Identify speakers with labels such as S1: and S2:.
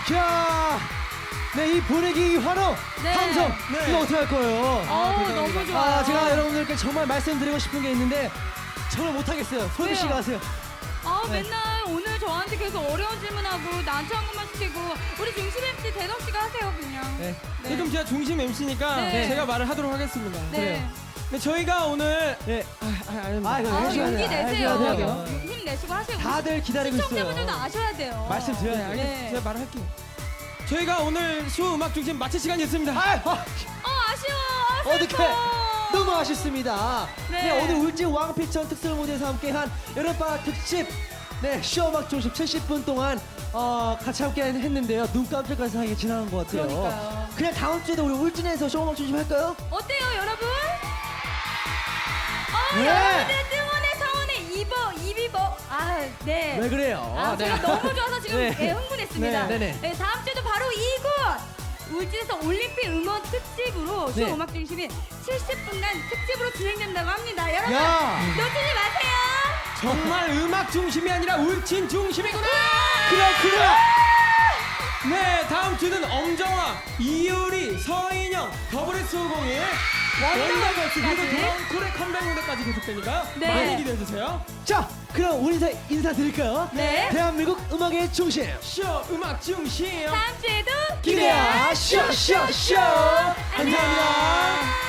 S1: 자, 네, 이 분위기, 이 환호,
S2: 네.
S1: 함성,
S3: 네.
S1: 이거 어떻게 할 거예요?
S2: 너무 좋아요.
S1: 제가 여러분들께 정말 말씀드리고 싶은 게 있는데 정말 못하겠어요. 소희 씨가
S2: 왜요?
S1: 하세요. 네.
S2: 맨날 오늘 저한테 계속 어려운 질문하고 나한테 한 것만 시키고 우리 중심 MC 대덕 씨가 하세요 그냥.
S1: 네.
S2: 네.
S3: 그럼 제가 중심 MC니까
S2: 네.
S3: 제가 말을 하도록 하겠습니다.
S2: 네.
S3: 네, 저희가 오늘
S1: 네.
S3: 아닙니다.
S1: 이거 해줘야
S2: 용기
S1: 돼요.
S2: 내세요.
S1: 해줘야 돼요.
S2: 힘내시고 하세요.
S1: 다들 기다리고 있어요.
S2: 시청자분들도 아셔야 돼요.
S1: 말씀드려야
S3: 네,
S1: 돼요.
S3: 알겠습니다.
S2: 네.
S3: 제가 말할게요. 저희가 오늘 쇼 음악 중심 마칠 시간이 됐습니다.
S2: 아쉬워.
S1: 어떡해.
S2: 슬퍼.
S1: 너무 아쉽습니다.
S2: 네.
S1: 네, 오늘 울진 왕피천 특설 무대에서 함께한 여름방학 특집 쇼음악 중심 70분 동안 같이 함께 했는데요. 눈 깜짝할 사이에 지나간 것 같아요.
S2: 그러니까요.
S1: 그냥 다음 주에도 우리 울진에서 쇼음악 중심 할까요?
S2: 어때요 여러분?
S1: 네.
S2: 여러분들 응원의 성원의 이비버. 네.
S1: 왜 그래요?
S2: 제가 너무 좋아서 지금
S1: 네.
S2: 흥분했습니다.
S1: 네, 네네.
S2: 다음 주도 바로 이곳 울진에서 올림픽 음원 특집으로 쇼
S1: 네.
S2: 음악 중심이 70분간 특집으로 진행된다고 합니다. 여러분
S1: 야.
S2: 놓치지 마세요.
S3: 정말 음악 중심이 아니라 울진 중심이구나.
S1: 그래.
S3: 네, 다음 주는 엄정화, 이효리, 서인영, 더블S501 원더걸스 그리고 돌아온 쿨의 컴백 무대까지 계속되니까
S2: 네.
S3: 많이 기대해 주세요.
S1: 자, 그럼 우리 인사드릴까요?
S2: 네.
S1: 대한민국 음악의 중심.
S3: 쇼 음악 중심.
S2: 다음 주에도
S1: 기대야 쇼.
S2: 안녕.
S3: 감사합니다.